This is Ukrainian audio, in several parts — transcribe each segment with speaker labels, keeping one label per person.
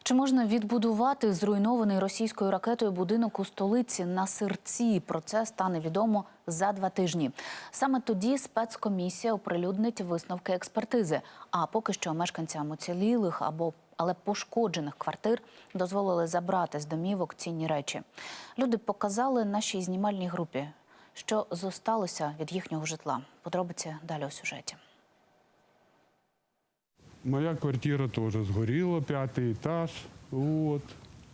Speaker 1: Чи можна відбудувати зруйнований російською ракетою будинок у столиці на Сирці? Про це стане відомо за 2 тижні. Саме тоді спецкомісія оприлюднить висновки експертизи. А поки що мешканцям уцілілих але пошкоджених квартир дозволили забрати з домівок цінні речі. Люди показали нашій знімальній групі, що зосталося від їхнього житла. Подробиці далі у сюжеті.
Speaker 2: Моя квартира тоже сгорела, 5-й этаж. Вот.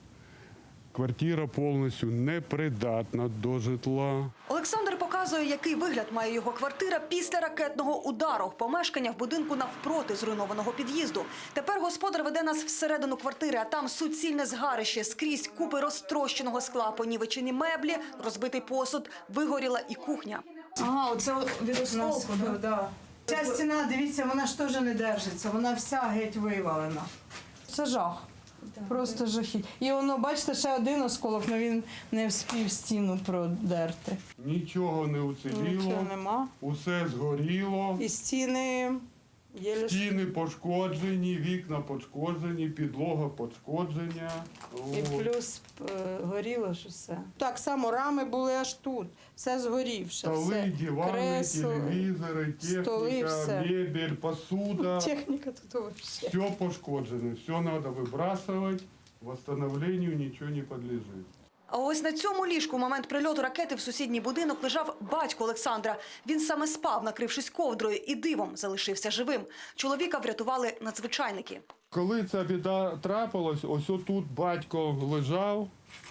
Speaker 2: Квартира повністю непридатна до житла.
Speaker 3: Олександр показує, який вигляд має його квартира після ракетного удару. Помешкання в будинку навпроти зруйнованого під'їзду. Тепер господар веде нас всередину квартири, а там суцільне згарище. Скрізь купи розтрощеного скла, понівечені меблі, розбитий посуд, вигоріла і кухня.
Speaker 4: Ага, оце від осколку, да.
Speaker 5: Ця стіна, дивіться, вона ж теж не держиться, вона вся геть вивалена. Це жах, просто жахіть. І воно, бачите, ще один осколок, але він не вспів стіну продерти.
Speaker 2: Нічого не уціліло,
Speaker 5: Нічого нема.
Speaker 2: усе згоріло.
Speaker 5: І стіни єлі...
Speaker 2: Стіни пошкоджені, вікна пошкоджені, підлога пошкоджена.
Speaker 5: І плюс горіло ж усе. Так само рами були аж тут, все згорівше.
Speaker 2: Столи, дивани,
Speaker 5: кресло,
Speaker 2: телевізори,
Speaker 5: столи,
Speaker 2: техніка,
Speaker 5: все.
Speaker 2: мебель, посуда.
Speaker 5: Техніка тут взагалі.
Speaker 2: Все пошкоджено, все треба вибрасувати, восстановлению нічого не підлежить.
Speaker 3: А ось на цьому ліжку в момент прильоту ракети в сусідній будинок лежав батько Олександра. Він саме спав, накрившись ковдрою, і дивом залишився живим. Чоловіка врятували надзвичайники.
Speaker 2: Коли ця біда трапилась, ось отут батько лежав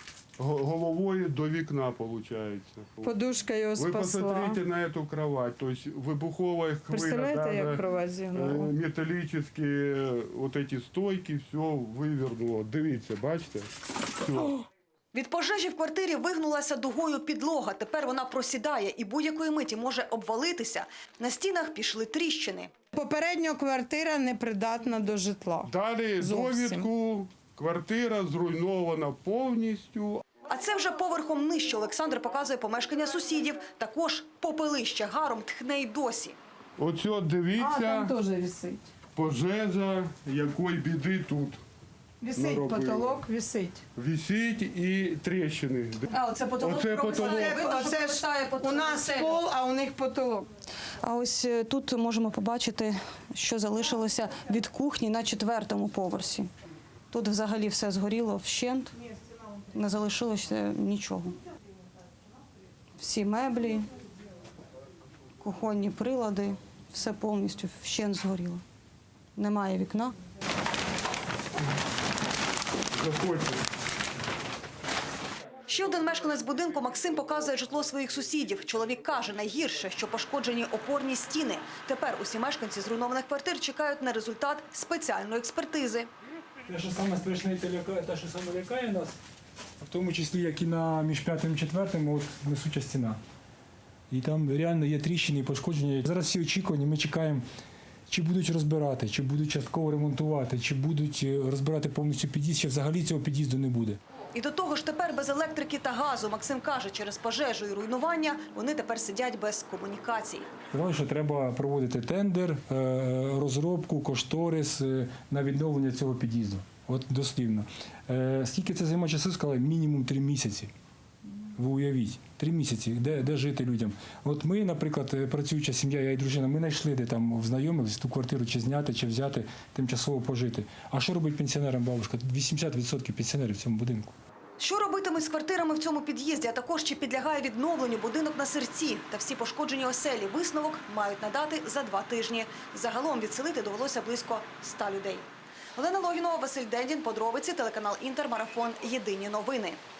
Speaker 2: головою до вікна, виходить.
Speaker 5: Подушка його
Speaker 2: Ви
Speaker 5: спасла.
Speaker 2: посмотрите на цю кровать, тобто вибухова хвиля,
Speaker 5: Представляєте, як кровать зігнула?
Speaker 2: металічні вот эти стойки, все вивернуло. Дивіться, бачите? Все.
Speaker 3: Від пожежі в квартирі вигнулася дугою підлога. Тепер вона просідає і будь-якої миті може обвалитися. На стінах пішли тріщини.
Speaker 5: Попередньо квартира непридатна до житла.
Speaker 2: Далі
Speaker 5: Зовсім.
Speaker 2: довідку, квартира зруйнована повністю.
Speaker 3: А це вже поверхом нижче. Олександр показує помешкання сусідів. Також попелище гаром тхне й досі.
Speaker 2: Оце дивіться,
Speaker 5: теж висить.
Speaker 2: пожежа, якої біди тут.
Speaker 5: Висить,
Speaker 2: наробили.
Speaker 5: потолок висить.
Speaker 2: Висить і тріщини.
Speaker 3: А оце потолок.
Speaker 2: Оце потолок.
Speaker 5: Оце ж у нас пол, а у них потолок.
Speaker 4: А ось тут можемо побачити, що залишилося від кухні на 4-му поверсі. Тут взагалі все згоріло вщент, не залишилося нічого. Всі меблі, кухонні прилади, все повністю вщент згоріло. Немає вікна.
Speaker 2: Заходьте.
Speaker 3: Ще один мешканець будинку Максим показує житло своїх сусідів. Чоловік каже, найгірше, що пошкоджені опорні стіни. Тепер усі мешканці зруйнованих квартир чекають на результат спеціальної експертизи.
Speaker 6: Те, що саме страшне, те, що саме лякає нас, в тому числі, як і між 5-м і 4-м, от несуча стіна. І там реально є тріщини і пошкодження. Зараз всі очікування, ми чекаємо, чи будуть розбирати, чи будуть частково ремонтувати, чи будуть розбирати повністю під'їзд, чи взагалі цього під'їзду не буде.
Speaker 3: І до того ж тепер без електрики та газу. Максим каже, через пожежу і руйнування вони тепер сидять без комунікацій.
Speaker 6: Сказали, що треба проводити тендер, розробку, кошторис на відновлення цього під'їзду. От дослівно. Скільки це займе часу, сказали, мінімум 3 місяці. Ви уявіть, 3 місяці, де жити людям. От ми, наприклад, працююча сім'я, я і дружина, ми знайшли, де там знайомились, ту квартиру чи зняти, чи взяти, тимчасово пожити. А що робить пенсіонерам бабушка? 80% пенсіонерів в цьому будинку.
Speaker 3: Що робитимуть з квартирами в цьому під'їзді, а також чи підлягає відновленню будинок на Сирці та всі пошкоджені оселі? Висновок мають надати за 2 тижні. Загалом відселити довелося близько 100 людей. Олена Логінова, Василь Дендін, подробиці, телеканал Інтер, марафон «Єдині новини».